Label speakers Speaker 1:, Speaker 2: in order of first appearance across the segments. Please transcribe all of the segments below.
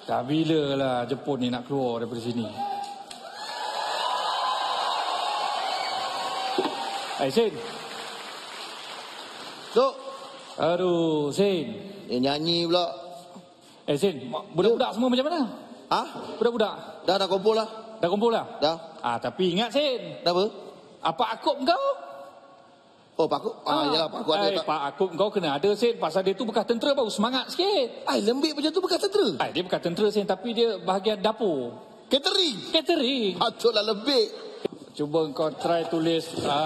Speaker 1: Dah bila lah Jepun ni nak keluar daripada sini. Sin.
Speaker 2: Duk.
Speaker 1: Aduh, Sin.
Speaker 2: Nyanyi pula.
Speaker 1: Sin, budak-budak semua macam mana?
Speaker 2: Ha?
Speaker 1: Budak-budak?
Speaker 2: Dah kumpul lah.
Speaker 1: Dah kumpul lah?
Speaker 2: Dah.
Speaker 1: Tapi ingat, Sin.
Speaker 2: Dah apa?
Speaker 1: Apa akub kau?
Speaker 2: Oh, Pak Akub? Yalah, Pak Akub ada tak?
Speaker 1: Pak Akub kau kena ada, Sin. Pasal dia tu bekas tentera baru semangat sikit.
Speaker 2: Lembik macam tu bekas tentera?
Speaker 1: Dia bekas tentera, Sin. Tapi dia bahagian dapur.
Speaker 2: Catering? Patutlah lebih.
Speaker 1: Cuba kau try tulis.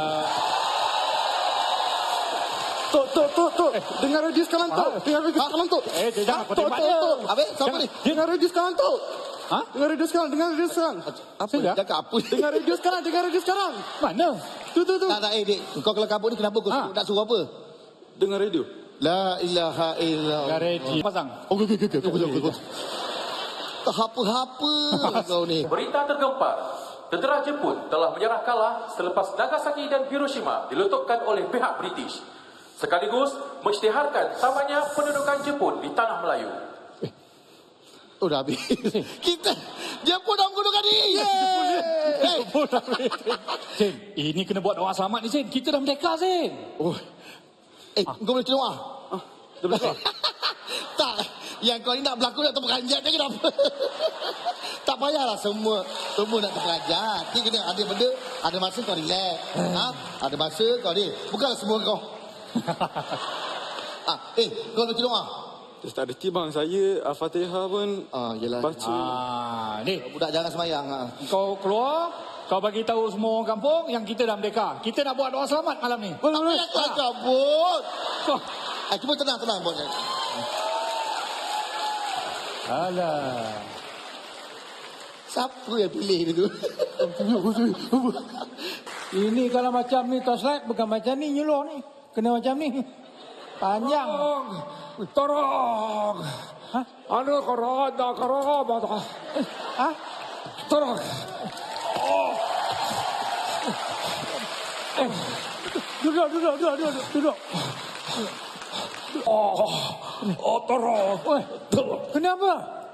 Speaker 3: Tok. Dengar radio sekarang, Tok. Dengar radio sekarang, Tok.
Speaker 1: Jangan kau tembak dia.
Speaker 2: Habis, siapa ni?
Speaker 3: Dengar radio sekarang, Tok.
Speaker 1: Ha?
Speaker 3: Dengar radio sekarang.
Speaker 2: Apa? Cakap apa?
Speaker 3: Dengar radio sekarang.
Speaker 1: Mana?
Speaker 3: Tu.
Speaker 2: Tak, Dik. Kau kalau kabut ni kenapa kau nak suruh apa?
Speaker 3: Dengar radio.
Speaker 2: La ilaha illallah.
Speaker 1: Gareji. Pasang.
Speaker 2: Okey. Tak apa-apa kau ni.
Speaker 4: Berita tergempar. Tentera Jepun telah menyerah kalah selepas Nagasaki dan Hiroshima diletupkan oleh pihak British. Sekaligus mengisytiharkan tamatnya pendudukan Jepun di tanah Melayu.
Speaker 2: Oh, dah habis. Kita Jepun dah menggunakan diri.
Speaker 1: Sin, ini kena buat doa selamat ni, Sin. Kita dah merdeka, Sin.
Speaker 2: Oh. Kau boleh tengok
Speaker 3: Dah besar.
Speaker 2: Tak. Yang kau ni nak berlakon nak terperanjat je kenapa? Tak payahlah semua nak terperanjat. Ni kena ada benda, ada masa kau relax. Ada masa kau ni. Bukanlah semua kau. Kau nak tengok
Speaker 3: Tak ada timbang saya Al-Fatihah pun
Speaker 2: yelah.
Speaker 3: baca.
Speaker 1: Ni,
Speaker 2: Budak jangan semayang.
Speaker 1: kau keluar, kau bagi tahu semua orang kampung yang kita dah merdeka. Kita nak buat doa selamat malam ni.
Speaker 2: Tak payah kau cabut.
Speaker 1: Kau.
Speaker 2: Cuba tenang buat.
Speaker 1: Alah.
Speaker 2: Siapa yang pilih dia tu?
Speaker 5: Ini kalau macam ni torchlight bukan macam ni nyuluh ni. Kena macam ni. Panjang.
Speaker 1: Tolong.
Speaker 5: Hah?
Speaker 1: Ada korona.
Speaker 5: Hah?
Speaker 1: Tolong.
Speaker 5: Duduk.
Speaker 1: Tolong.
Speaker 5: Oi, kenapa?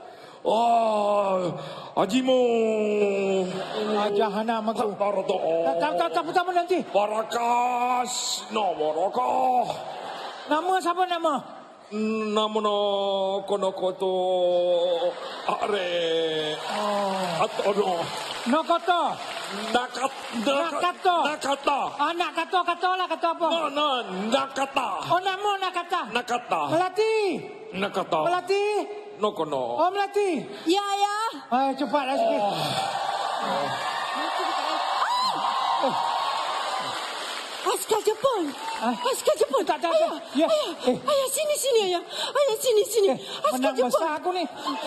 Speaker 1: Hajimu.
Speaker 5: Jahanam aku.
Speaker 1: Bardo.
Speaker 5: Tak pertama nanti.
Speaker 1: Barakas. No Moroko.
Speaker 5: Nama siapa nama?
Speaker 1: Namono konokoto are. Atono.
Speaker 5: Nokoto.
Speaker 1: Nakata.
Speaker 5: Anak kata lah kata apa?
Speaker 1: Nakata.
Speaker 5: Oh nama Nakata.
Speaker 1: Nakata.
Speaker 5: Melati.
Speaker 1: Nokono.
Speaker 5: Oh Melati.
Speaker 6: Ya.
Speaker 5: Cepatlah sikit.
Speaker 6: Askar Jepun.
Speaker 5: Tak. Ya.
Speaker 6: Ayah, sini, ayah. Ayah, sini. Askar
Speaker 5: Menang
Speaker 6: Jepun.
Speaker 5: besar aku ni.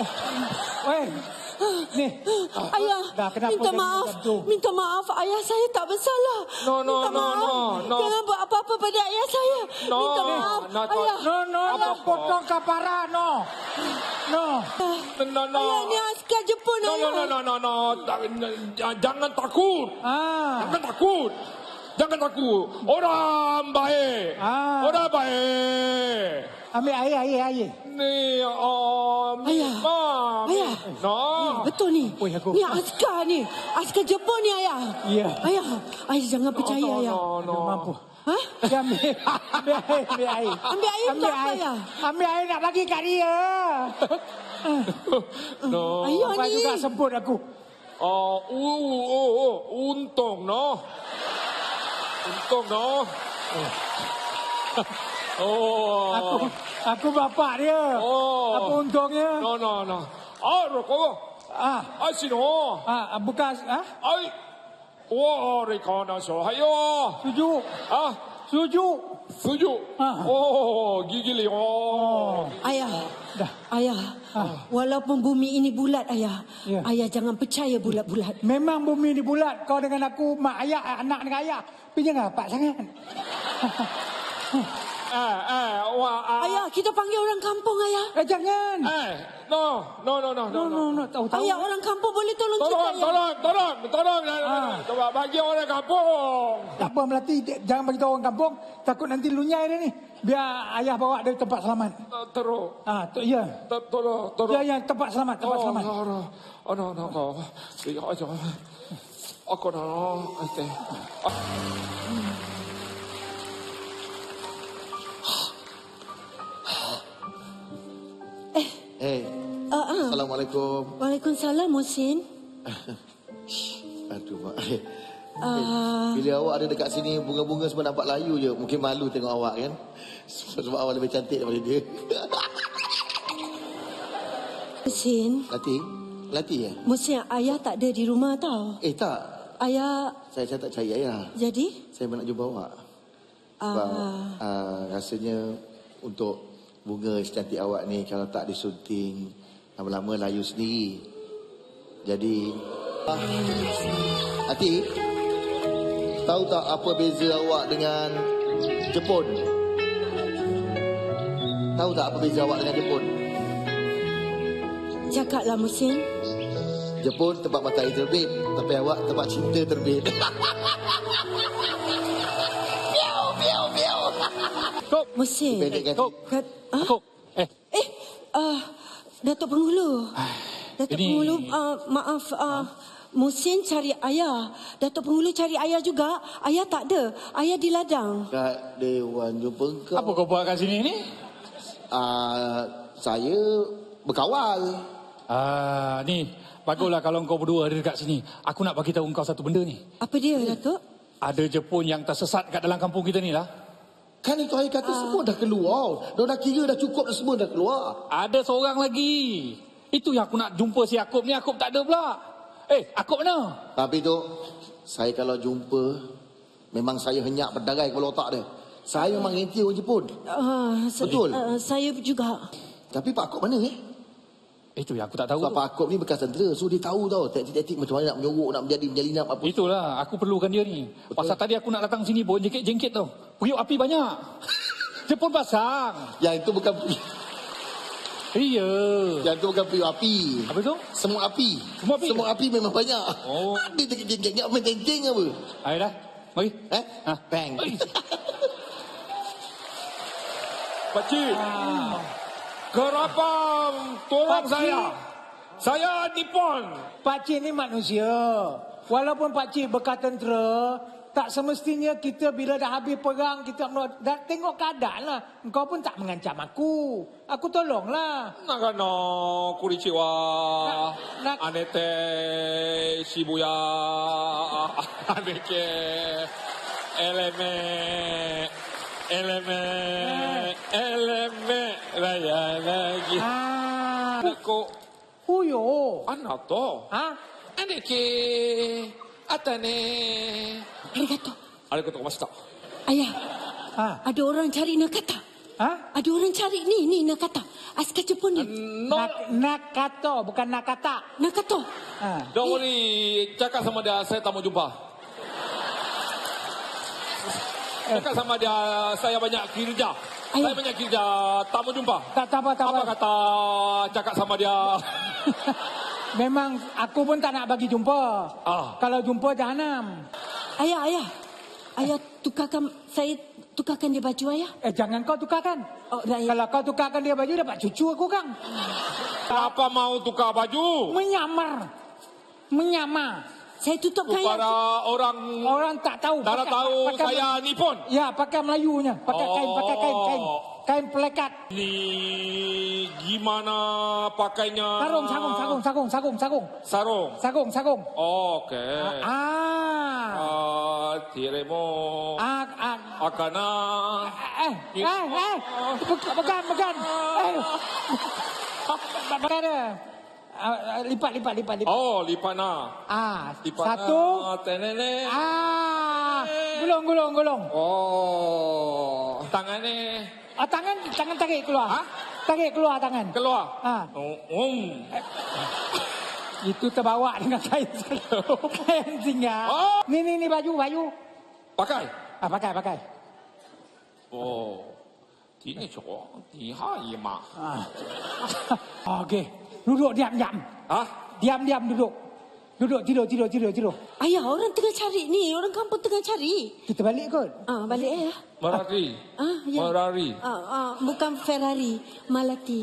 Speaker 5: Ni.
Speaker 6: Ayah,
Speaker 5: Dah, kenapa
Speaker 6: minta
Speaker 5: jadi
Speaker 6: maaf.
Speaker 5: macam tu?
Speaker 6: Minta maaf, ayah saya tak bersalah. Minta maaf. Jangan buat apa-apa pada ayah saya. Minta maaf, ayah.
Speaker 5: No, potong kapara, no.
Speaker 6: Ayah, ni askar Jepun, ayah.
Speaker 1: No. Jangan takut. Jangan takut. Orang baik. Orang baik.
Speaker 5: Ambil air.
Speaker 1: Ni
Speaker 6: Ayah.
Speaker 1: No.
Speaker 6: Betul ni.
Speaker 5: Oi, aku.
Speaker 6: Ni askar ni. Askar Jepun ni, ayah.
Speaker 5: Ya.
Speaker 6: Ayah jangan percaya, ayah.
Speaker 5: No. Mampu.
Speaker 6: Hah?
Speaker 5: Dia ambil air.
Speaker 6: Ambil air untuk apa, ayah?
Speaker 5: Ambil air nak bagi kat dia.
Speaker 1: No.
Speaker 6: Ayah
Speaker 5: Lepas
Speaker 6: ni.
Speaker 5: juga sebut aku.
Speaker 1: Untung no.
Speaker 5: Aku bapak dia. Apa untungnya?
Speaker 1: No. Rokok. Sino.
Speaker 5: Bekas.
Speaker 1: Rekana sohayo.
Speaker 5: Suju.
Speaker 1: Gigili.
Speaker 6: Ayah, walaupun bumi ini bulat, ayah.
Speaker 5: Ya.
Speaker 6: Ayah jangan percaya bulat-bulat.
Speaker 5: Memang bumi ni bulat. Kau dengan aku, mak ayah, anak dengan ayah. Tapi jangan rapat sangat.
Speaker 6: Ayah, kita panggil orang kampung, ayah.
Speaker 5: Jangan.
Speaker 3: No.
Speaker 5: No, tahu.
Speaker 6: Ayah, orang kampung boleh tolong kita, ayah.
Speaker 3: Tolong. Coba bagi orang kampung.
Speaker 5: Tak apa Melati, jangan bagi tahu orang kampung. Takut nanti lunyai dia ni. Biar ayah bawa dia ke tempat selamat.
Speaker 3: Terus.
Speaker 5: Ya.
Speaker 3: Tolong.
Speaker 5: Ya, tempat selamat, tempat selamat.
Speaker 3: Aku nak.
Speaker 2: Assalamualaikum.
Speaker 6: Waalaikumsalam, Muhsin.
Speaker 2: Aduh, mak. Bila awak ada dekat sini, bunga-bunga semua nampak layu je. Mungkin malu tengok awak kan. Sebab awak lebih cantik daripada dia.
Speaker 6: Muhsin.
Speaker 2: Lati ya?
Speaker 6: Muhsin, ayah tak ada di rumah tau.
Speaker 2: Tak.
Speaker 6: Ayah...
Speaker 2: Saya tak cari ayah.
Speaker 6: Jadi?
Speaker 2: Saya nak jumpa awak. Sebab rasanya untuk bunga secantik awak ni, kalau tak disunting, lama-lama layu sendiri. Jadi... Hati, tahu tak apa beza awak dengan Jepun? Tahu tak apa beza awak dengan Jepun?
Speaker 6: Cakaplah, Muhsin.
Speaker 2: Jepun tempat matahari terbit, tapi awak tempat cinta terbit. Biau.
Speaker 6: Muhsin.
Speaker 2: Pendek kan?
Speaker 1: Kok.
Speaker 6: Datuk Penghulu. Datuk
Speaker 1: Ini-
Speaker 6: Penghulu, maaf. Muhsin cari ayah. Datuk Penghulu cari ayah juga. Ayah tak ada. Ayah di ladang.
Speaker 2: Kat Dewan jumpa kau.
Speaker 1: Apa kau buat kat sini ni?
Speaker 2: Saya berkawal.
Speaker 1: Ni, baguslah kalau kau berdua ada dekat sini. Aku nak bagi tahu kau satu benda ni.
Speaker 6: Apa dia, Datuk?
Speaker 1: Ada Jepun yang tersesat kat dalam kampung kita ni lah.
Speaker 2: Kan itu ayah kata semua dah keluar. Dah kira dah cukup dah, semua dah keluar.
Speaker 1: Ada seorang lagi. Itu yang aku nak jumpa si Akub ni. Akub tak ada pula. Akub mana?
Speaker 2: Tapi tu, saya kalau jumpa, memang saya henyak berdarai kepala otak dia. Saya memang renti orang Jepun. Betul.
Speaker 6: Saya juga.
Speaker 2: Tapi Pak Akop mana
Speaker 1: Itu yang aku tak tahu.
Speaker 2: Sebab Pak Akop ni bekas tentera. So dia tahu tau taktik-taktik macam mana nak menyorok, nak menjadi menjalinap apa.
Speaker 1: Itulah, aku perlukan dia ni.
Speaker 2: Betul.
Speaker 1: Pasal tadi aku nak datang sini pun jengkit-jengkit tau. Periuk api banyak. Jepun pasang.
Speaker 2: Yang itu bukan
Speaker 1: Iya.
Speaker 2: yang itu bukan periuk api.
Speaker 1: Apa tu?
Speaker 2: Semut api.
Speaker 1: Semut api?
Speaker 2: Semut api memang banyak.
Speaker 1: Oh.
Speaker 2: Dia jengkit-jengkit apa tenteng apa?
Speaker 1: Ayo dah. Mari.
Speaker 2: Bang.
Speaker 3: Pakcik. Gerabang, tolong
Speaker 5: Pakcik.
Speaker 3: saya. Saya Nippon.
Speaker 5: Pakcik ni manusia. Walaupun pakcik bekas tentera, tak semestinya kita bila dah habis perang, kita dah tengok keadaan lah. Engkau pun tak mengancam aku. Aku tolonglah.
Speaker 3: Nagano, Kurichiwa,
Speaker 5: Na-
Speaker 3: Anete, Shibuya, Aneke, Eleme, Raya lagi. Ko,
Speaker 5: Huyo.
Speaker 3: Anato, Aneke, Atane.
Speaker 6: Arigato.
Speaker 3: Arigatou gozaimashita.
Speaker 6: Ayah,
Speaker 5: Ha?
Speaker 6: ada orang cari Nakata. Ada orang cari ni Nakata. Askar Jepun ni.
Speaker 3: No,
Speaker 5: Nakato, bukan Nakata.
Speaker 6: Nakato.
Speaker 3: don't worry, cakap sama dia, saya tak mau jumpa. Cakap sama dia, saya banyak kerja. Saya banyak kerja, tak mau jumpa.
Speaker 5: Tak apa.
Speaker 3: Apa kata cakap sama dia?
Speaker 5: Memang aku pun tak nak bagi jumpa. Kalau jumpa jahanam.
Speaker 6: Ayah. Ayah saya tukarkan dia baju ayah.
Speaker 5: Jangan kau tukarkan.
Speaker 6: Oh, dah, ya.
Speaker 5: Kalau kau tukarkan dia baju, dapat cucu aku kang.
Speaker 3: Kenapa mau tukar baju?
Speaker 5: Menyamar.
Speaker 6: Saya tutupkan
Speaker 3: Kepada orang
Speaker 5: Orang tak tahu.
Speaker 3: tak tahu saya Nippon.
Speaker 5: Ya, pakai Melayunya. Pakai kain. Kain pelekat.
Speaker 3: Ni gimana pakainya?
Speaker 5: Sarung.
Speaker 3: Okey. Tiremo. Akana.
Speaker 5: Bukan. Bukan dia. Lipat.
Speaker 3: Oh, lipana. Lipana.
Speaker 5: Satu.
Speaker 3: Tenene.
Speaker 5: Gulung.
Speaker 3: Oh, tangannya
Speaker 5: Tangan tarik keluar. Tarik keluar tangan.
Speaker 3: keluar.
Speaker 5: Itu terbawa dengan kain tinggal.
Speaker 3: Oh.
Speaker 5: Ni baju.
Speaker 3: Pakai.
Speaker 5: Pakai.
Speaker 3: Oh. Ini cantik. Hai, Mak.
Speaker 5: Okey. Duduk diam-diam.
Speaker 3: Ah,
Speaker 5: Diam-diam duduk. Duduk tidur.
Speaker 6: Ayah, orang tengah cari ni. Orang kampung tengah cari.
Speaker 5: Kita balik kot.
Speaker 6: Balik ayah.
Speaker 3: Merari.
Speaker 6: Ya.
Speaker 3: Merari.
Speaker 6: Bukan Ferrari. Melati.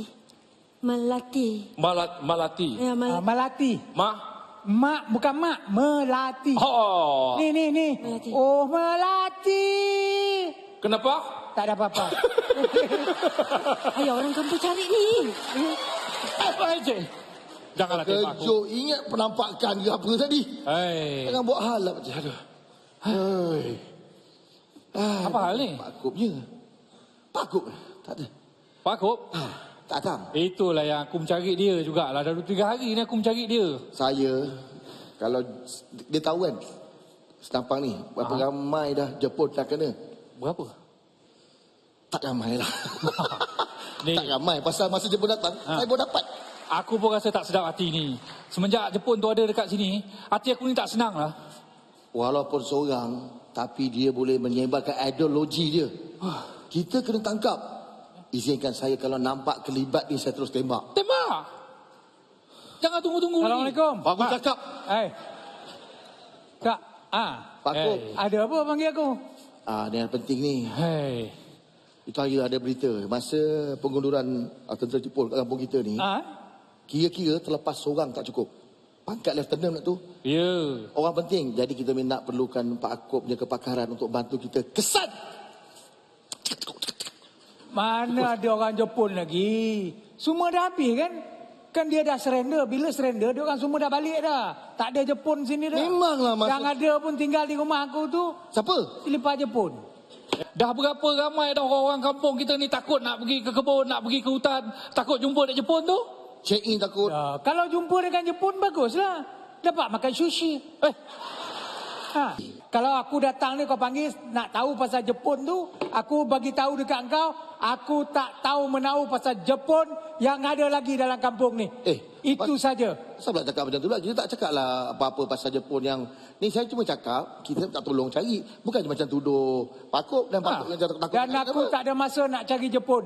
Speaker 3: Malati.
Speaker 6: Ya,
Speaker 5: Melati.
Speaker 3: Mak.
Speaker 5: Mak bukan mak, melati.
Speaker 3: Oh.
Speaker 5: Ni.
Speaker 6: Melati.
Speaker 5: Oh, melati.
Speaker 3: Kenapa?
Speaker 5: Tak ada apa-apa.
Speaker 6: Ayah, orang kampung cari ni.
Speaker 1: Apa aja? Janganlah tembak aku.
Speaker 2: Kejut, ingat penampakan ke apa tadi?
Speaker 1: Hei.
Speaker 2: Jangan buat hal lah macam aduh. Hei.
Speaker 1: Apa hal ni?
Speaker 2: Pakupnya. Pakup. Tak ada.
Speaker 1: Pak Kop?
Speaker 2: Tak datang.
Speaker 1: Itulah yang aku mencari dia jugalah. Dah 2-3 hari ni aku mencari dia.
Speaker 2: Saya, kalau dia tahu kan, senampang ni, berapa ramai dah Jepun dah kena.
Speaker 1: Berapa?
Speaker 2: Tak ramai lah.
Speaker 1: Ni.
Speaker 2: Tak ramai. Pasal masa Jepun datang, saya baru dapat.
Speaker 1: Aku pun rasa tak sedap hati ni. Semenjak Jepun tu ada dekat sini, hati aku ni tak senang lah.
Speaker 2: Walaupun seorang, tapi dia boleh menyebarkan ideologi dia. Kita kena tangkap. Izinkan saya kalau nampak kelibat ni, saya terus tembak.
Speaker 1: Tembak! Jangan tunggu-tunggu ni.
Speaker 5: Assalamualaikum.
Speaker 2: Bagus cakap.
Speaker 5: Kak.
Speaker 2: Pak Kop.
Speaker 5: Ada apa panggil aku?
Speaker 2: Ni yang penting ni.
Speaker 1: Hei.
Speaker 2: Itu hari ada berita. Masa pengunduran tentera Jepun kat kampung kita ni, kira-kira terlepas seorang tak cukup. Pangkat lieutenant tu.
Speaker 1: Ya.
Speaker 2: Orang penting. Jadi kita nak perlukan Pak Kop punya kepakaran untuk bantu kita kesan.
Speaker 5: Mana ada orang Jepun lagi? Semua dah habis kan? Kan dia dah surrender. Bila surrender, dia orang semua dah balik dah. Tak ada Jepun sini dah.
Speaker 2: Memanglah masa...
Speaker 5: Yang ada pun tinggal di rumah aku tu.
Speaker 2: Siapa?
Speaker 5: Lepas Jepun.
Speaker 1: Dah berapa ramai dah orang-orang kampung kita ni takut nak pergi ke kebun, nak pergi ke hutan. Takut jumpa dekat Jepun tu.
Speaker 2: Check in takut.
Speaker 5: Kalau jumpa dengan Jepun, baguslah. Dapat makan sushi. Kalau aku datang ni kau panggil nak tahu pasal Jepun tu, aku bagi tahu dekat engkau, aku tak tahu menahu pasal Jepun yang ada lagi dalam kampung ni. Itu saja.
Speaker 2: Saya pula cakap macam tu lah. Kita tak cakap lah apa-apa pasal Jepun yang... Ni saya cuma cakap, kita tak tolong cari. Bukan macam tuduh Pak Kop dan Pak Kop yang takut.
Speaker 5: Dan aku tak ada masa nak cari Jepun.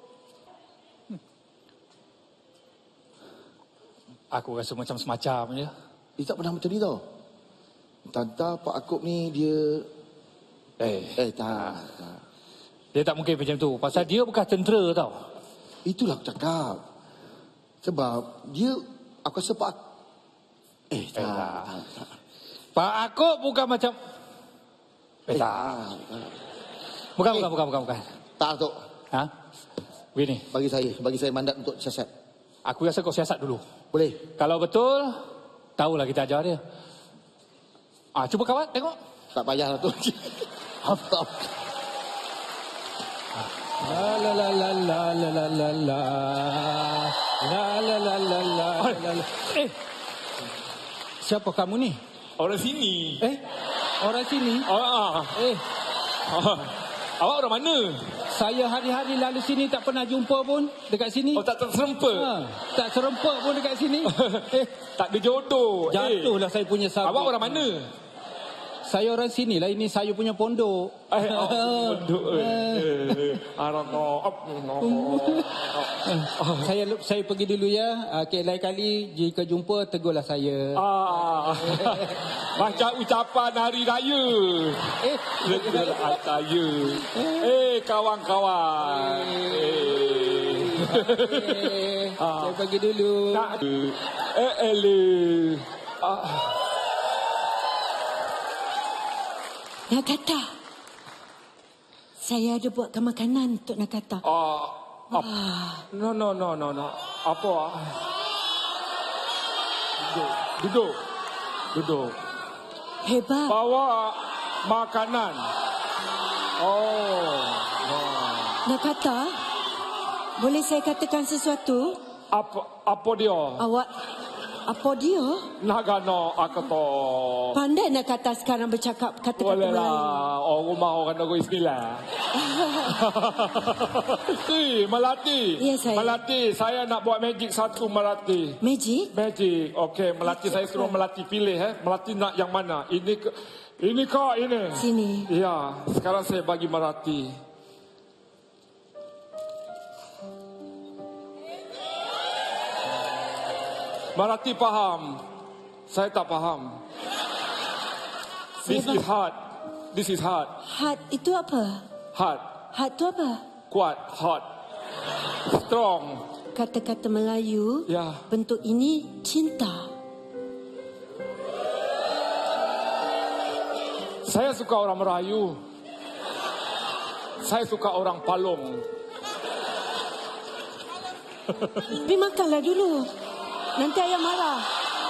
Speaker 1: Aku rasa macam semacam je.
Speaker 2: Dia tak pernah macam ni tau. Tanta Pak Akop ni dia... tak.
Speaker 1: Dia tak mungkin macam tu. Pasal dia bekas tentera tau.
Speaker 2: Itulah aku cakap. Sebab dia... Aku rasa Pak... tak.
Speaker 1: Pak Akop bukan macam...
Speaker 2: tak.
Speaker 1: Bukan.
Speaker 2: Tak, Tok.
Speaker 1: Begini.
Speaker 2: Bagi saya mandat untuk siasat.
Speaker 1: Aku rasa kau siasat dulu.
Speaker 2: Boleh?
Speaker 1: Kalau betul, tahulah kita ajar dia. Cuba kawan, tengok.
Speaker 2: Tak payahlah tu. Apa?
Speaker 5: Siapa kamu ni?
Speaker 3: Orang sini.
Speaker 5: Orang sini?
Speaker 3: Awak orang mana?
Speaker 5: Saya hari-hari lalu sini tak pernah jumpa pun dekat sini.
Speaker 3: Tak terserempak.
Speaker 5: Tak serempak pun dekat sini.
Speaker 3: Tak ada jodoh.
Speaker 5: Jatuhlah saya punya sabuk.
Speaker 3: Awak orang mana?
Speaker 5: Saya orang sini lah. Ini saya punya pondok.
Speaker 3: Pondok.
Speaker 5: Saya pergi dulu ya. Lain kali jika jumpa tegurlah saya.
Speaker 3: Macam ucapan hari raya. Saya. Kawan-kawan.
Speaker 5: Saya pergi dulu.
Speaker 6: Nakata. Saya ada buatkan makanan untuk Nakata.
Speaker 3: No. Apa? Duduk.
Speaker 6: Hebat.
Speaker 3: Bawa makanan.
Speaker 6: Nakata, boleh saya katakan sesuatu?
Speaker 3: Apa dia?
Speaker 6: Apa dia?
Speaker 3: Nagano Akato.
Speaker 6: Pandai Nakata sekarang bercakap kata-kata
Speaker 3: Boleh
Speaker 6: Melayu.
Speaker 3: lah. Rumah orang Negeri Sembilan. Melati.
Speaker 6: Ya, saya.
Speaker 3: Melati, saya nak buat magic satu Melati.
Speaker 6: Magic?
Speaker 3: Magic. Okey, Melati saya suruh Melati pilih. Melati nak yang mana? Ini kau ini.
Speaker 6: Sini.
Speaker 3: Ya, sekarang saya bagi Melati. Marati faham. Saya tak faham. This is hard. This is hard.
Speaker 6: Hard itu apa?
Speaker 3: Hard.
Speaker 6: Hard itu apa?
Speaker 3: Kuat. Hot. Strong.
Speaker 6: Kata-kata Melayu,
Speaker 3: Ya.
Speaker 6: bentuk ini cinta.
Speaker 3: Saya suka orang Melayu. Saya suka orang Palong.
Speaker 6: Tapi makanlah dulu. Nanti ayah marah.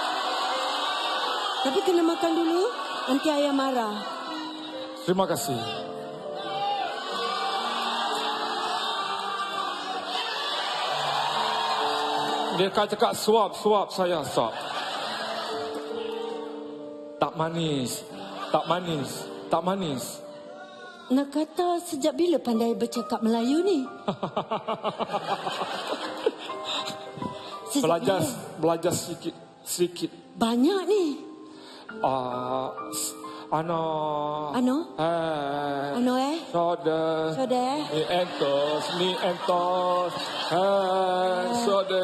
Speaker 6: Tapi kena makan dulu, nanti ayah marah.
Speaker 3: Terima kasih. Dia cakap suap saya suap. Tak manis. Tak manis. Tak manis.
Speaker 6: Nak kata sejak bila pandai bercakap Melayu ni? Sejak
Speaker 3: Belajar sedikit.
Speaker 6: banyak ni.
Speaker 3: Ano? Soda. Ni entos. Soda.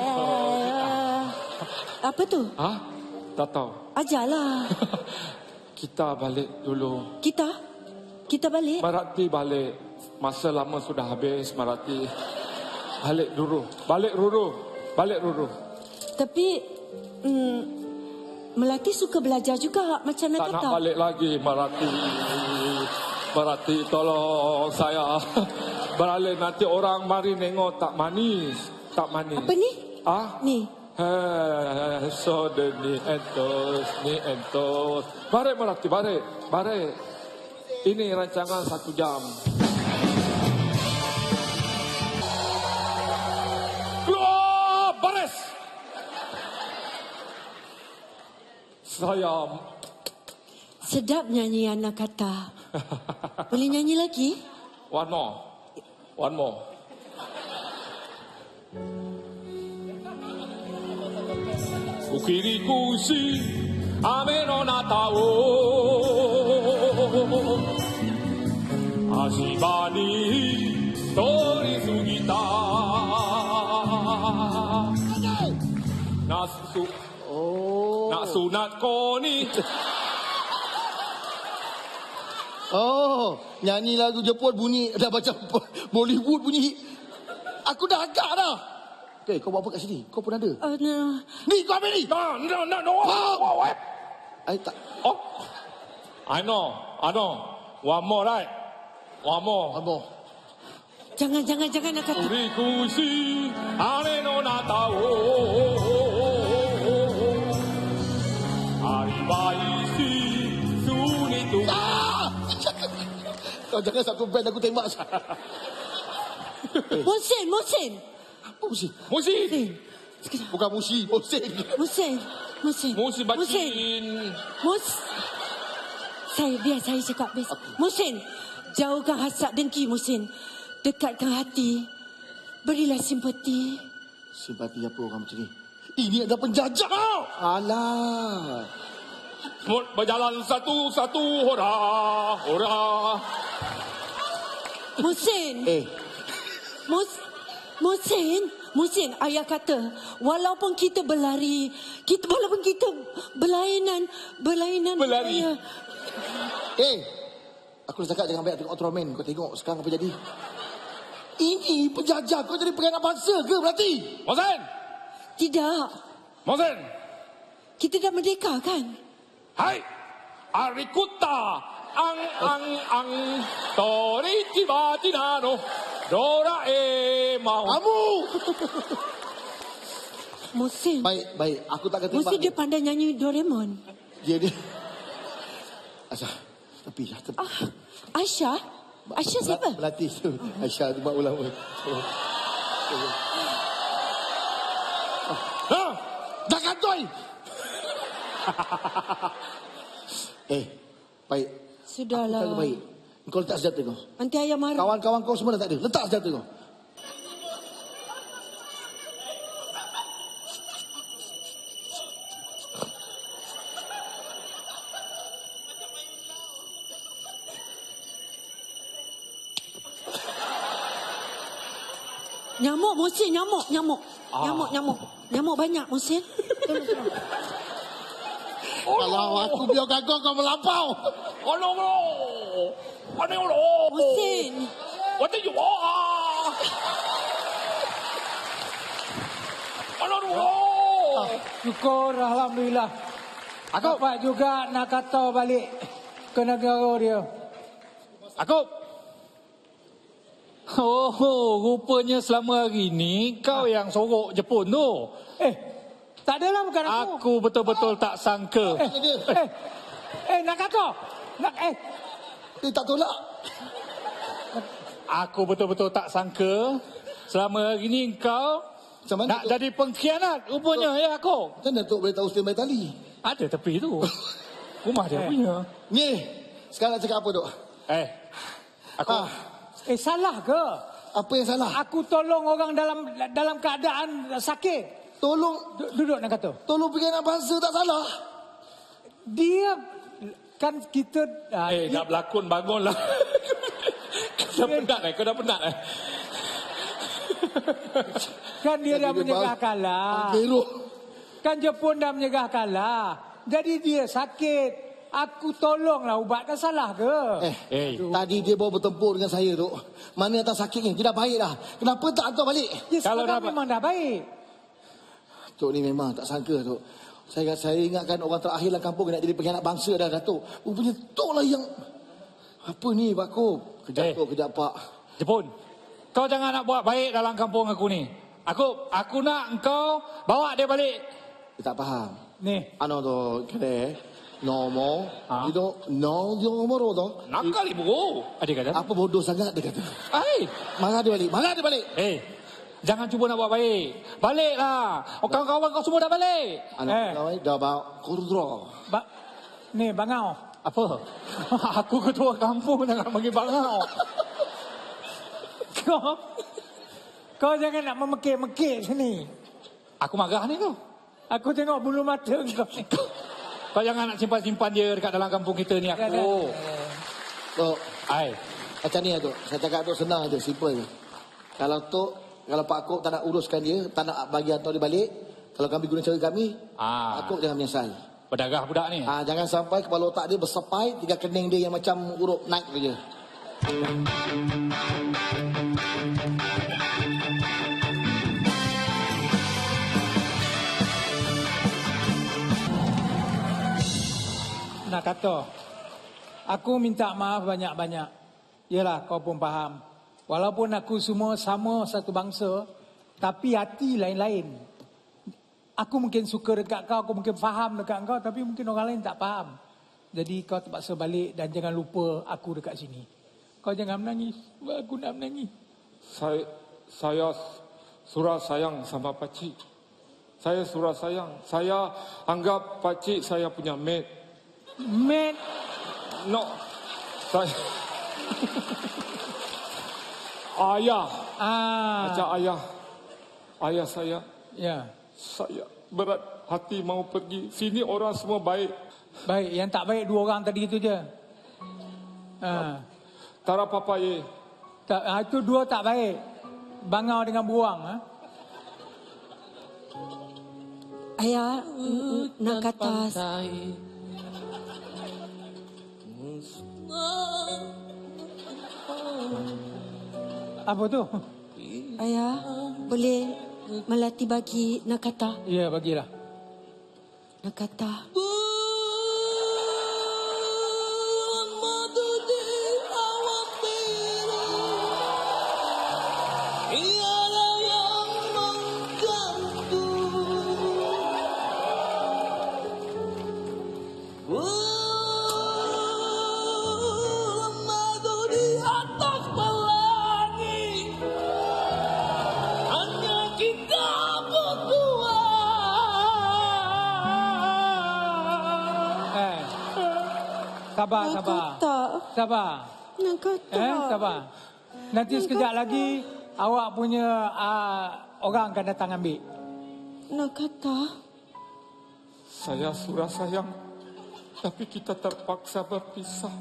Speaker 6: Apa tu?
Speaker 3: Ha? Tak tahu.
Speaker 6: Ajarlah.
Speaker 3: Kita balik dulu.
Speaker 6: Kita balik.
Speaker 3: Marati balik. Masa lama sudah habis, Marati. Balik dulu. Balik dulu.
Speaker 6: Tapi Melati suka belajar juga macam nak
Speaker 3: Tak
Speaker 6: kata.
Speaker 3: nak balik lagi, Marati. Marati, tolong saya. Balik nanti orang mari nengok tak manis. Tak manis.
Speaker 6: Apa ni? Ni.
Speaker 3: Soda ni entos. Balik, Marati, balik. Ini rancangan 1 jam. Keluar, baris. Saya
Speaker 6: Sedap nyanyi anak kata. Boleh nyanyi lagi?
Speaker 3: one more. Ukirikushi ame no nata o Ashiba ni torisugita Nasunat ko ni
Speaker 2: Oh, nyanyi lagu Jepun bunyi dah macam Bollywood bunyi. Aku dah agak dah. Kau buat apa kat sini? Kau pun ada.
Speaker 6: No.
Speaker 2: Ni kau ambil ni.
Speaker 3: No. What?
Speaker 2: Tak.
Speaker 3: Oh, I know. One more, right? One more.
Speaker 2: Abang.
Speaker 6: Jangan nak kata.
Speaker 3: Urikushi ane no nata o Aribaishi sunitu.
Speaker 2: Kau jangan satu band aku tembak.
Speaker 6: Musin.
Speaker 2: Apa musi?
Speaker 3: Musi.
Speaker 2: Bukan musi, musin.
Speaker 3: Musi bacin.
Speaker 6: Saya cakap best. Musin, jauhkan hasad dengki Musin. Dekatkan hati. Berilah simpati.
Speaker 2: Simpati apa orang macam ni? Ini adalah penjajah. Alah.
Speaker 3: Berjalan satu-satu hora.
Speaker 6: Musin. Musin, ayah kata, walaupun kita berlari, walaupun kita berlainan.
Speaker 3: Berlari.
Speaker 6: Ayah.
Speaker 2: Aku dah cakap jangan banyak tengok Ultraman. Kau tengok sekarang apa jadi. Ini penjajah. Kau jadi penganak bangsa ke berarti?
Speaker 3: Mosen.
Speaker 6: Tidak.
Speaker 3: Mosen.
Speaker 6: Kita dah merdeka kan?
Speaker 3: Hai. Arikuta. Ang. Tori tiba tinano. Doraemon.
Speaker 2: Kamu.
Speaker 6: Musin.
Speaker 2: Baik. Aku tak kata
Speaker 6: Musin dia pandai nyanyi Doraemon.
Speaker 2: Dia. Asal. Tepi.
Speaker 6: Aisyah siapa?
Speaker 2: Pelatih tu. Aisyah tu buat ulama. Dah kantoi. Baik.
Speaker 6: Sudahlah.
Speaker 2: Aku baik. Kau letak senjata kau.
Speaker 6: Nanti ayah marah.
Speaker 2: Kawan-kawan kau semua dah tak ada. Letak senjata kau.
Speaker 6: Nyamuk Musin, nyamuk. Nyamuk banyak Musin.
Speaker 2: Kalau aku biarkan kau melampau.
Speaker 6: Musin.
Speaker 5: Syukur Alhamdulillah. Dapat juga nak kata balik ke negara dia.
Speaker 1: Aku. Rupanya selama hari ni kau yang sorok Jepun tu.
Speaker 5: Tak adalah bukan aku.
Speaker 1: Aku betul-betul tak sangka.
Speaker 5: Nak kata.
Speaker 2: Dia tak tolak.
Speaker 1: Aku betul-betul tak sangka selama hari ni kau
Speaker 2: Macam mana
Speaker 1: nak jadi pengkhianat rupanya ya aku.
Speaker 2: Macam mana Tok boleh tahu standby tali?
Speaker 1: Ada tepi tu. Rumah dia punya.
Speaker 2: Ni, sekarang nak cakap apa Tok?
Speaker 1: Aku
Speaker 5: Salah ke?
Speaker 2: Apa yang salah?
Speaker 5: Aku tolong orang dalam keadaan sakit.
Speaker 2: Tolong
Speaker 5: Duduk nak kata.
Speaker 2: tolong pergi anak bangsa tak salah.
Speaker 5: Dia kan kita
Speaker 3: Nak berlakon bangunlah. Kau dah penat
Speaker 5: kan dia dah
Speaker 2: Jadi dia
Speaker 5: menyegah kalah.
Speaker 2: Beruk.
Speaker 5: Kan Jepun dah menyegah kalah. Jadi dia sakit. Aku tolonglah ubatkan, salah ke?
Speaker 2: Tadi dia bawa bertempur dengan saya tu. Mana yang tak sakitnya? Dia dah baik dah. Kenapa tak hantar balik?
Speaker 5: Ya,
Speaker 1: Kalau
Speaker 5: sekarang
Speaker 1: dah-
Speaker 5: memang dah baik.
Speaker 2: Tok ni memang tak sangka Tok. Saya ingatkan orang terakhir dalam kampung nak jadi pengkhianat bangsa dah Datuk. Rupanya Tok lah yang... Apa ni Pak Kop? Kejap Tok, kejap Pak.
Speaker 1: Jepun. Kau jangan nak buat baik dalam kampung aku ni. Aku nak engkau bawa dia balik.
Speaker 2: Dia tak faham.
Speaker 5: Ni.
Speaker 2: Tu, kira normal. Itu normal tu.
Speaker 3: Nakal ibu.
Speaker 1: Adik kata.
Speaker 2: Apa bodoh sangat dia kata. Marah dia balik.
Speaker 1: Jangan cuba nak buat baik. Baliklah. Kawan-kawan kau semua dah balik.
Speaker 2: Anak kau dah bawa kurdra.
Speaker 5: Ni bangau.
Speaker 1: Apa? Aku ketua kampung jangan bagi bangau.
Speaker 5: Kau jangan nak memekik-mekik sini.
Speaker 1: Aku marah ni tu.
Speaker 5: Aku tengok bulu mata kau.
Speaker 1: Kau jangan nak simpan-simpan dia dekat dalam kampung kita ni aku.
Speaker 2: Tok,
Speaker 1: Ai.
Speaker 2: macam ni Tok. Saya cakap Tok senang je, simple je. Kalau Pak Kop tak nak uruskan dia, tak nak bagi hantar dia balik, kalau kami guna cara kami, Pak Kop jangan menyesal.
Speaker 1: Berdarah budak ni.
Speaker 2: Jangan sampai kepala otak dia bersepai, tiga kening dia yang macam huruf naik je.
Speaker 5: Nak kata, aku minta maaf banyak-banyak. Yalah, kau pun faham. Walaupun aku semua sama satu bangsa, tapi hati lain-lain. Aku mungkin suka dekat kau, aku mungkin faham dekat kau, tapi mungkin orang lain tak faham. Jadi kau terpaksa balik dan jangan lupa aku dekat sini. Kau jangan menangis. Aku nak menangis.
Speaker 3: Saya surah sayang sama pakcik. Saya surah sayang. Saya anggap pakcik saya punya mate.
Speaker 5: Mate.
Speaker 3: No. Saya ayah. Macam ayah. Ayah saya.
Speaker 5: Ya.
Speaker 3: Saya berat hati mau pergi. Sini orang semua baik.
Speaker 5: Baik, yang tak baik dua orang tadi itu je.
Speaker 3: Tara papa ye.
Speaker 5: Itu dua tak baik. Bangau dengan buang.
Speaker 6: Ayah nak kata
Speaker 5: apa tu?
Speaker 6: ayah boleh melatih bagi nak kata.
Speaker 5: Ya, bagilah.
Speaker 6: Nak kata.
Speaker 5: Sabar. Sabar.
Speaker 6: Nak kata.
Speaker 5: Sabar. Nanti sekejap lagi awak punya orang akan datang ambil.
Speaker 6: Nak kata.
Speaker 3: Saya surah sayang. Tapi kita terpaksa berpisah.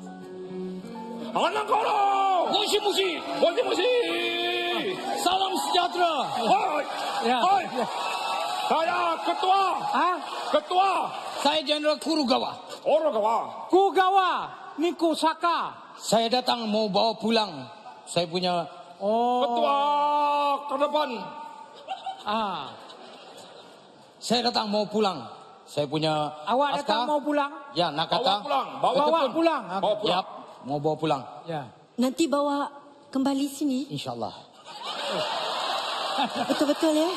Speaker 3: Anak korang!
Speaker 1: Musi.
Speaker 3: Salam sejahtera.
Speaker 5: Ya.
Speaker 3: Saya ketua.
Speaker 5: Ha?
Speaker 3: Ketua.
Speaker 7: Saya Jeneral Kurugawa.
Speaker 3: Orogawa.
Speaker 5: Kugawa. Ni Kusaka.
Speaker 7: Saya datang mau bawa pulang. Saya punya
Speaker 5: Oh.
Speaker 3: Ketua ke depan.
Speaker 5: Ah.
Speaker 7: saya datang mau pulang. Saya punya
Speaker 5: Awak datang mau pulang?
Speaker 7: Ya, nak
Speaker 3: Bawa
Speaker 7: kata.
Speaker 3: pulang.
Speaker 5: Bawa
Speaker 3: jepun.
Speaker 5: pulang.
Speaker 3: Bawa pulang.
Speaker 7: Yap, mau bawa pulang.
Speaker 5: Ya.
Speaker 6: Nanti bawa kembali sini.
Speaker 7: InsyaAllah.
Speaker 6: Betul-betul ya.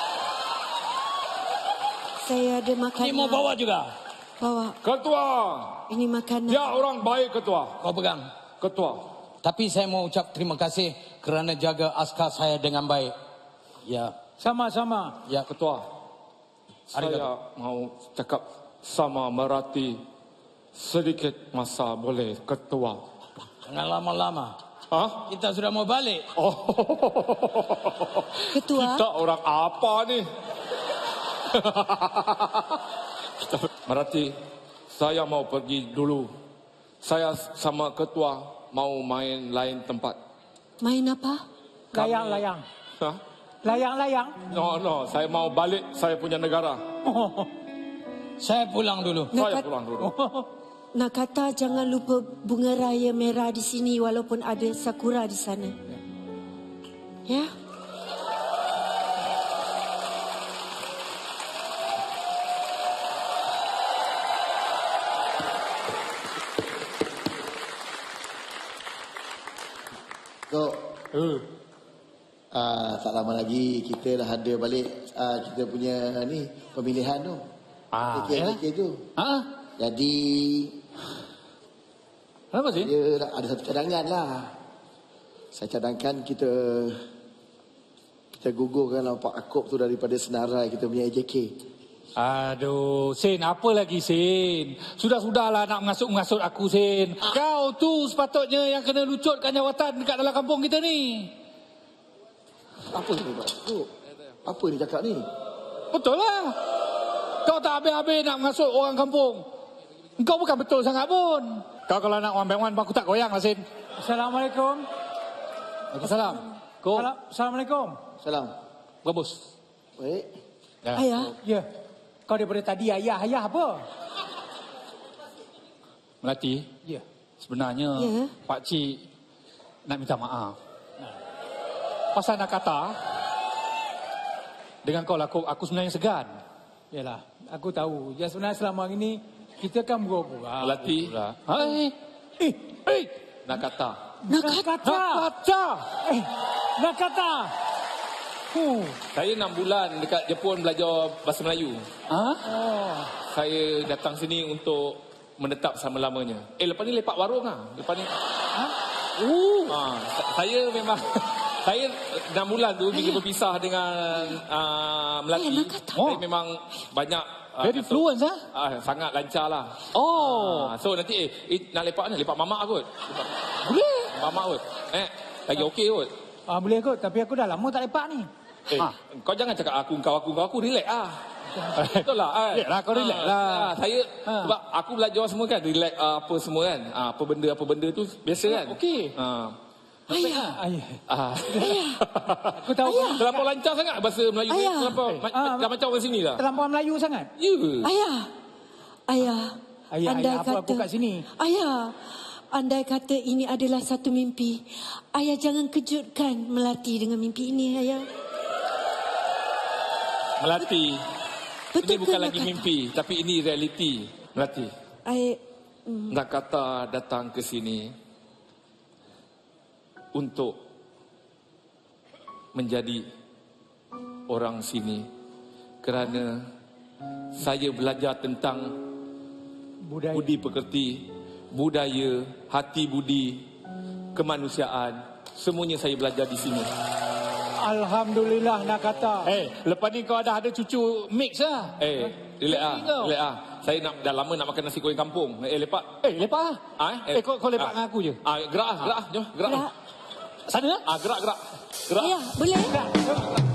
Speaker 6: Saya ada makanan.
Speaker 7: Ini mau bawa juga.
Speaker 6: Bawa.
Speaker 3: Ketua.
Speaker 6: Ini makanan.
Speaker 3: Dia orang baik ketua.
Speaker 7: Kau pegang.
Speaker 3: Ketua.
Speaker 7: Tapi saya mau ucap terima kasih kerana jaga askar saya dengan baik. Ya,
Speaker 5: Sama-sama.
Speaker 7: ya.
Speaker 3: Ketua. Saya mau cakap sama Merati sedikit masa boleh ketua.
Speaker 7: Jangan lama-lama.
Speaker 3: Hah?
Speaker 7: Kita sudah mau balik.
Speaker 3: Oh.
Speaker 6: Ketua.
Speaker 3: Kita orang apa ni? Merati, saya mau pergi dulu. Saya sama ketua mau main lain tempat.
Speaker 6: Main apa?
Speaker 5: Layang-layang.
Speaker 3: Hah?
Speaker 5: Layang-layang.
Speaker 3: No, saya mau balik saya punya negara.
Speaker 7: Saya pulang dulu.
Speaker 3: Saya pulang dulu.
Speaker 6: Nak kata jangan lupa bunga raya merah di sini walaupun ada sakura di sana. Ya?
Speaker 2: Kok tak lama lagi kita dah ada balik kita punya ni pemilihan tu. KK tu.
Speaker 1: Ha?
Speaker 2: Jadi
Speaker 1: Kenapa sih?
Speaker 2: dia ada satu cadangan lah. Saya cadangkan kita gugurkan Pak Akop tu daripada senarai kita punya AJK.
Speaker 1: Aduh, Sin, apa lagi Sin? Sudah-sudahlah nak mengasut-mengasut aku, Sin. Kau tu sepatutnya yang kena lucutkan jawatan dekat dalam kampung kita ni.
Speaker 2: Apa ni Pak Akop? Apa ni cakap ni?
Speaker 1: Betul lah. Kau tak habis-habis nak mengasut orang kampung. Kau bukan betul sangat pun. Kau kalau nak one by one, aku tak goyang lah, Sin.
Speaker 5: Assalamualaikum.
Speaker 1: Assalam. Kau,
Speaker 5: Assalamualaikum.
Speaker 2: Salam.
Speaker 1: bagus.
Speaker 2: Baik.
Speaker 1: Ya.
Speaker 6: Ayah.
Speaker 5: Ya. Kau daripada tadi ayah apa?
Speaker 1: Melati,
Speaker 5: Ya.
Speaker 1: sebenarnya
Speaker 6: Ya.
Speaker 1: Pak Cik nak minta maaf. Pasal nak kata, dengan kau laku, aku sebenarnya segan.
Speaker 5: Yalah, aku tahu. Ya sebenarnya selama ini kita kan pura-pura.
Speaker 3: Melati.
Speaker 1: Hai. Eh, nak kata.
Speaker 6: Nak
Speaker 5: Nak
Speaker 6: kata.
Speaker 5: kata.
Speaker 1: Kata.
Speaker 5: Nak kata.
Speaker 3: Saya 6 bulan dekat Jepun belajar bahasa Melayu.
Speaker 1: Ha?
Speaker 5: Oh.
Speaker 3: Saya datang sini untuk menetap selama-lamanya. Lepas ni lepak warung lah. Lepas ni. Saya memang saya 6 bulan tu bila berpisah dengan Melati.
Speaker 6: Nak kata.
Speaker 3: Saya memang banyak
Speaker 1: Very fluent, ha?
Speaker 3: sangat lancar lah.
Speaker 1: Oh.
Speaker 3: So nanti nak lepak ni lepak mamak kot.
Speaker 1: Boleh.
Speaker 3: Mamak kot. Lagi okey kot.
Speaker 5: Boleh kot, tapi aku dah lama tak lepak ni.
Speaker 3: Kau jangan cakap aku relax ah. Betul lah.
Speaker 1: Relax lah, kau relax lah.
Speaker 3: Saya sebab aku belajar semua kan relax apa semua kan. Apa benda tu biasa kan.
Speaker 1: Okey.
Speaker 6: Ayah.
Speaker 5: Ayah. Aku tahu.
Speaker 3: Terlampau lancar sangat bahasa Melayu ni.
Speaker 6: Ayah.
Speaker 3: Terlampau dah macam orang sini lah.
Speaker 5: Terlampau Melayu sangat.
Speaker 3: Ya.
Speaker 6: Ayah. Ayah.
Speaker 5: Ayah,
Speaker 6: andai
Speaker 5: ayah, apa kat sini?
Speaker 6: Ayah. Andai kata ini adalah satu mimpi. Ayah jangan kejutkan Melati dengan mimpi ini, ayah.
Speaker 3: Melati.
Speaker 6: Betul
Speaker 3: Ini bukan
Speaker 6: ke,
Speaker 3: lagi
Speaker 6: nak
Speaker 3: mimpi. Tapi ini realiti. Melati. Nak kata datang ke sini untuk menjadi orang sini kerana saya belajar tentang
Speaker 5: Budaya.
Speaker 3: budi pekerti, budaya, hati budi, kemanusiaan, semuanya saya belajar di sini.
Speaker 5: Alhamdulillah nak kata.
Speaker 1: Lepas ni kau ada cucu mix lah.
Speaker 3: Relax ah,
Speaker 1: kau.
Speaker 3: relax ah. Saya dah lama nak makan nasi goreng kampung. Lepak.
Speaker 1: Lepak lah. Kau lepak dengan aku je.
Speaker 3: Gerak ah, jom, gerak.
Speaker 6: Gerak.
Speaker 1: Sana lah.
Speaker 3: Gerak. Gerak.
Speaker 6: Ayah, boleh?
Speaker 5: Tak.